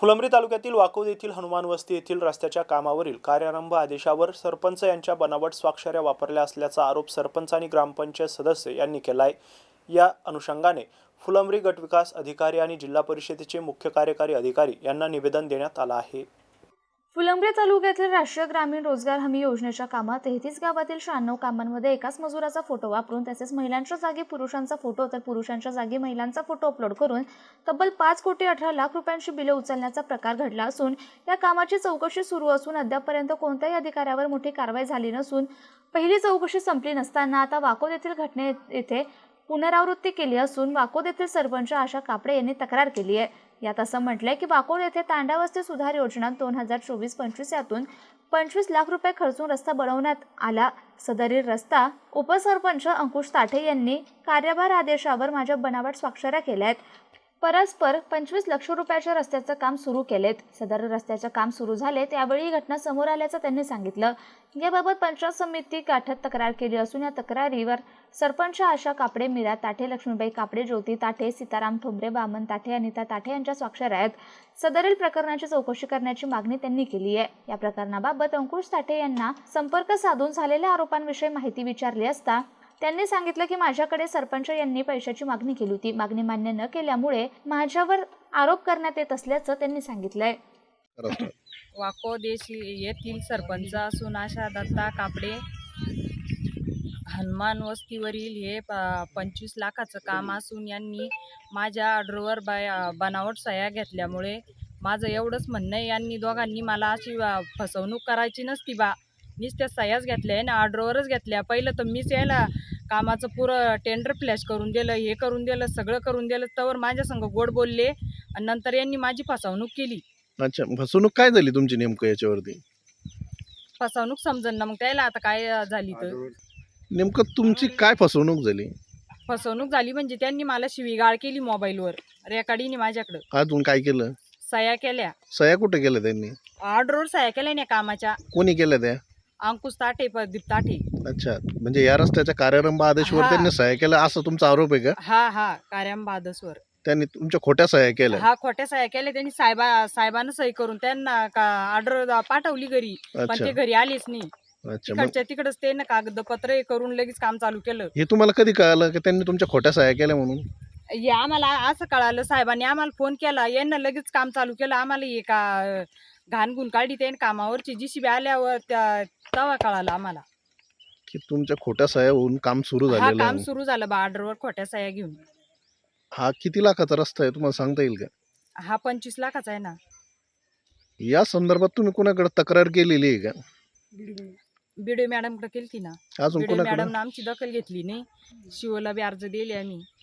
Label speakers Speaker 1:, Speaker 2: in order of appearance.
Speaker 1: फुलंब्री तालुक्यातील वाकोद येथील हनुमान वस्ती येथील रस्त्याच्या कामावरील कार्यारंभ आदेशावर सरपंच यांच्या बनावट स्वाक्षऱ्या वापरल्या असल्याचा आरोप सरपंच आणि ग्रामपंचायत सदस्य यांनी केला आहे। या अनुषंगाने फुलंब्री गटविकास अधिकारी आणि जिल्हा परिषदेचे मुख्य कार्यकारी अधिकारी यांना निवेदन देण्यात आलं आहे।
Speaker 2: फुलंब्री तालुक्यातील राष्ट्रीय ग्रामीण रोजगार हमी योजनेच्या कामात 33 गावातील 96 कामांमध्ये एकाच मजुराचा फोटो वापरून तसेच महिलांच्या जागी पुरुषांचा फोटो तर पुरुषांच्या जागी महिलांचा फोटो अपलोड करून तब्बल 5,18,00,000 रुपयांची बिले उचलण्याचा प्रकार घडला असून या कामाची चौकशी सुरू असून अद्यापपर्यंत कोणत्याही अधिकाऱ्यावर मोठी कारवाई झाली नसून पहिली चौकशी संपली नसताना आता वाकोद येथील घटने येथे पुनरावृत्ती केली असून वाकोद येथील सरपंच आशा कापडे यांनी तक्रार केली आहे। यात असं म्हटलंय की वाकोद येथे तांडावस्ती सुधार योजना 2024-25 यातून 25 लाख रुपये खर्चून रस्ता बनवण्यात आला। सदरील रस्ता उपसरपंच अंकुश ताठे यांनी कार्यभार आदेशावर माझ्या बनावट स्वाक्षऱ्या केल्या आहेत। परस्पर 25 लाख रुपयाच्या रस्त्याचं काम सुरू केलेत। सदर रस्त्याचं काम सुरू झाले त्यावेळी ही घटना समोर आल्याचं त्यांनी सांगितलं। याबाबत पंचायत समिती गाठत तक्रार केली असून या तक्रारीवर सरपंच आशा कापडे, मीरा ताठे, लक्ष्मीबाई कापडे, ज्योती ताठे, सीताराम ठोंबरे, बामन ताठे, अनिता ताठे यांच्या स्वाक्षऱ्या आहेत। सदरील प्रकरणाची चौकशी करण्याची मागणी त्यांनी केली आहे। या प्रकरणाबाबत अंकुश ताठे यांना संपर्क साधून झालेल्या आरोपांविषयी माहिती विचारली असता त्यांनी सांगितलं की माझ्याकडे सरपंच यांनी पैशाची मागणी केली होती। मागणी मान्य न केल्यामुळे माझ्यावर आरोप करण्यात येत असल्याचं त्यांनी सांगितलंय।
Speaker 3: वाकोद येथील सरपंच असून आशा दत्ता कापडे हनुमान वस्तीवरील हे 25 लाखाचं काम असून यांनी माझ्या ऑर्डरवर बनावट सह्या घेतल्यामुळे माझं एवढंच म्हणणं आहे, यांनी दोघांनी मला अशी फसवणूक करायची नसती बा। नुसत्या सह्याच घेतल्या आहे ना, ऑर्डरवरच घेतल्या। पहिलं तर मीच यायला कामाचं पुरं टेंडर फ्लॅश करून दिलं, हे करून दिलं, सगळं करून दिलं, तवर माझ्या संग गोड बोलले आणि नंतर यांनी माझी फसवणूक केली।
Speaker 4: अच्छा, फसवणूक काय झाली तुमची नेमकं याच्यावरती?
Speaker 3: फसवणूक समजन ना मग त्याला आता काय झाली तर
Speaker 4: नेमकं तुमची काय फसवणूक झाली?
Speaker 3: फसवणूक झाली म्हणजे त्यांनी मला शिवीगाळ केली मोबाईलवर, रेकॉर्डिंग माझ्याकडं।
Speaker 4: अजून काय केलं?
Speaker 3: सह्या केल्या।
Speaker 4: सह्या कुठे केल्या त्यांनी?
Speaker 3: ऑर्डरवर सह्या केल्या ना कामाच्या।
Speaker 4: कोणी केल्या त्या?
Speaker 3: अंकुश ताठे, प्रदीप ताठे।
Speaker 4: अच्छा, म्हणजे या रस्त्याच्या कार्यारंभ आदेशावर त्यांनी सह्या केल्या असं तुमचा आरोप आहे का?
Speaker 3: हा कार्यारंभ आदेशावर त्यांनी
Speaker 4: तुमच्या खोट्या सह्या केल्या?
Speaker 3: हा, खोट्या सह्या केल्या त्यांनी। साहेबांना सही करून त्यांना ऑर्डर पाठवली घरी, पण ते घरी आलेच नाही।
Speaker 4: अच्छा,
Speaker 3: तिकडच्या तिकडच ते ना कागदपत्र करून लगेच काम चालू केलं।
Speaker 4: हे तुम्हाला कधी कळालं की त्यांनी तुमच्या खोट्या सह्या केल्या म्हणून?
Speaker 3: हे आम्हाला असं कळालं, साहेबांनी आम्हाला फोन केला, यांना लगेच काम चालू केलं। आम्हाला हे का घाणगुण काढली त्यांनी कामावरची, जीसीबी आल्यावर तेव्हा कळालं आम्हाला
Speaker 4: की तुमच्या खोट्या सह्या होऊन काम सुरू झालेलं
Speaker 3: काम
Speaker 4: आहे।
Speaker 3: सुरू झालं बा ऑर्डरवर खोट्या सह्या घेऊन।
Speaker 4: हा किती लाखाचा रस्ता आहे तुम्हाला सांगता येईल का?
Speaker 3: हा 25 लाखाचा आहे ना।
Speaker 4: या संदर्भात तुम्ही कोणाकडे तक्रार केलेली आहे का?
Speaker 3: बीडीओ मॅडमकडे केली ना।
Speaker 4: अजून
Speaker 3: बीडीओ
Speaker 4: कोणाकडे?
Speaker 3: मॅडमनं आमची दखल घेतली नाही। शिवला बी अर्ज दिले आम्ही।